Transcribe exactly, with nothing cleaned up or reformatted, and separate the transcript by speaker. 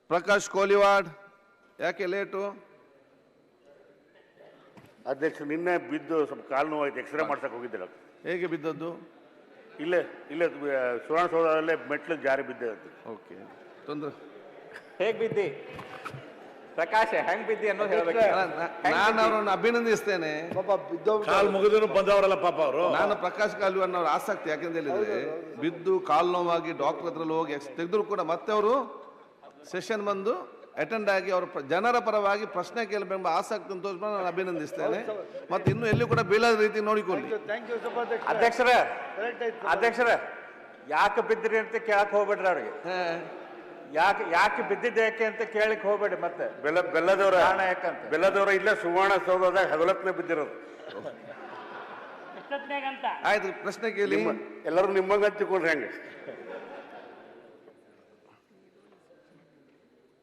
Speaker 1: ಪ್ರಕಾಶ್ ಕೋಲಿವಾಡ್, ಯಾಕೆ ಲೇಟು?
Speaker 2: ಅಧ್ಯಕ್ಷ, ನಿನ್ನೆ ಬಿದ್ದು ಸ್ವಲ್ಪ ಕಾಲು ನೋವಾಯ್ತು, ಎಕ್ಸ್ರೇ ಮಾಡ್ಸಕ್ಕೆ ಹೋಗಿದ್ದಿಲ್ಲ.
Speaker 1: ಹೇಗೆ ಬಿದ್ದದ್ದು?
Speaker 2: ಇಲ್ಲೇ ಇಲ್ಲೇ ಸುವರ್ಣಸೌಧದಲ್ಲೇ ಮೆಟ್ಲು ಜಾರಿ ಬಿದ್ದೆ.
Speaker 1: ಓಕೆ, ತೊಂದರೆ.
Speaker 3: ಹೇಗ್ ಬಿದ್ದಿ ಪ್ರಕಾಶ್, ಹೆಂಗ್ ಬಿದ್ದಿ ಅನ್ನೋದು ಹೇಳ್ಬೇಕು.
Speaker 1: ನಾನು ಅವರನ್ನು ಅಭಿನಂದಿಸ್ತೇನೆ.
Speaker 2: ಕಾಲು ಮುಗಿದ್ರು ಬಂದವರಲ್ಲ ಪಾಪ ಅವರು.
Speaker 1: ನಾನು ಪ್ರಕಾಶ್ ಕಾಲ್ವನ್ ಅವರ ಆಸಕ್ತಿ ಯಾಕೆಂತ ಹೇಳಿದ್ರೆ, ಬಿದ್ದು ಕಾಲು ನೋವಾಗಿ ಡಾಕ್ಟರ್ ಹತ್ರ ಹೋಗಿ ತೆಗೆದ್ರು ಕೂಡ ಮತ್ತೆ ಅವರು ಸೆಷನ್ ಬಂದು ಅಟೆಂಡ್ ಆಗಿ ಅವರು ಜನರ ಪರವಾಗಿ ಪ್ರಶ್ನೆ ಕೇಳಬೇಕೆಂಬ ಆಸಕ್ತಿ ತೋರಿಸ್ಕೊಂಡು ನಾನು ಅಭಿನಂದಿಸ್ತೇನೆ. ಮತ್ತೆ ಇನ್ನು ಎಲ್ಲಿ ಕೂಡ ಬೀಳದ ರೀತಿ ನೋಡಿಕೊಳ್ಳಿ.
Speaker 3: ಅಧ್ಯಕ್ಷರ ಅಧ್ಯಕ್ಷರ ಯಾಕೆ ಬಿದ್ದ್ರಿ ಅಂತ ಕೇಳಕ್ ಹೋಗ್ಬೇಡ್ರಿ ಅವ್ರಿಗೆ. ಯಾಕೆ ಯಾಕೆ ಬಿದ್ದಿದ್ದೆ ಯಾಕೆ ಅಂತ ಕೇಳಕ್ ಹೋಗ್ಬೇಡಿ. ಮತ್ತೆ
Speaker 2: ಬೆಲ್ಲ ಬೆಲ್ಲದವರ
Speaker 3: ಕಾರಣ ಯಾಕಂತ
Speaker 2: ಬೆಲ್ಲದವರ ಇಲ್ಲೇ ಸುವರ್ಣಸೌಧದಾಗ ಹಗಲತ್ನೇ ಬಿದ್ದಿರೋದು.
Speaker 1: ಆಯ್ತು, ಪ್ರಶ್ನೆ ಕೇಳಿ.
Speaker 2: ಎಲ್ಲರೂ ನಿಮ್ಮಂಗ ಹಂಚಿಕೊಂಡ್ರೆ ಹೆಂಗೆ?